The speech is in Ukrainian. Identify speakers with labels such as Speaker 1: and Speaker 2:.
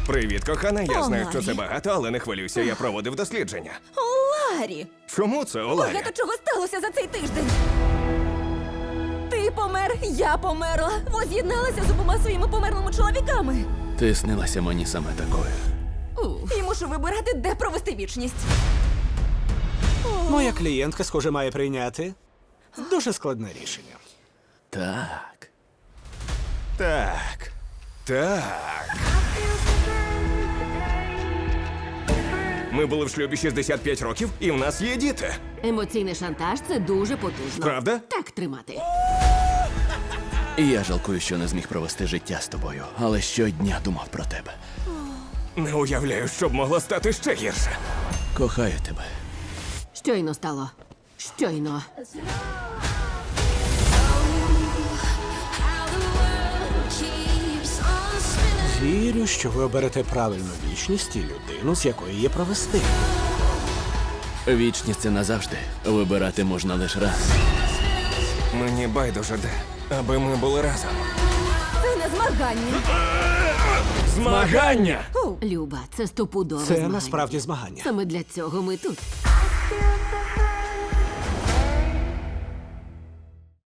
Speaker 1: Привіт, кохана. Я
Speaker 2: О,
Speaker 1: знаю, що
Speaker 2: Ларі.
Speaker 1: це багато, але не хвилюйся, я проводив дослідження.
Speaker 2: О, Ларі!
Speaker 1: Чому це, Оларі?
Speaker 2: Багато чого сталося за цей тиждень. Ти помер, я померла. Воз'єдналася з обома своїми померлими чоловіками.
Speaker 3: Ти снилася мені саме такою.
Speaker 2: І мушу вибирати, де провести вічність.
Speaker 4: Моя клієнтка, схоже, має прийняти дуже складне рішення.
Speaker 3: Так.
Speaker 1: Так. Так. Ми були в шлюбі 65 років, і в нас є діти.
Speaker 5: Емоційний шантаж це дуже потужно.
Speaker 1: Правда?
Speaker 5: Так тримати.
Speaker 3: І я жалкую, що не зміг провести життя з тобою, але щодня думав про тебе.
Speaker 1: Не уявляю, що б могло стати ще гірше.
Speaker 3: Кохаю тебе.
Speaker 5: Щойно стало. Щойно.
Speaker 4: Вірю, що ви оберете правильну вічність і людину, з якої її провести.
Speaker 3: Вічність це назавжди. Вибирати можна лише раз.
Speaker 1: Мені байдуже де, аби ми були разом.
Speaker 2: Це не змагання.
Speaker 1: Змагання!
Speaker 5: Люба, це стопудове
Speaker 4: Це
Speaker 5: змагання.
Speaker 4: насправді змагання.
Speaker 5: Саме для цього ми тут.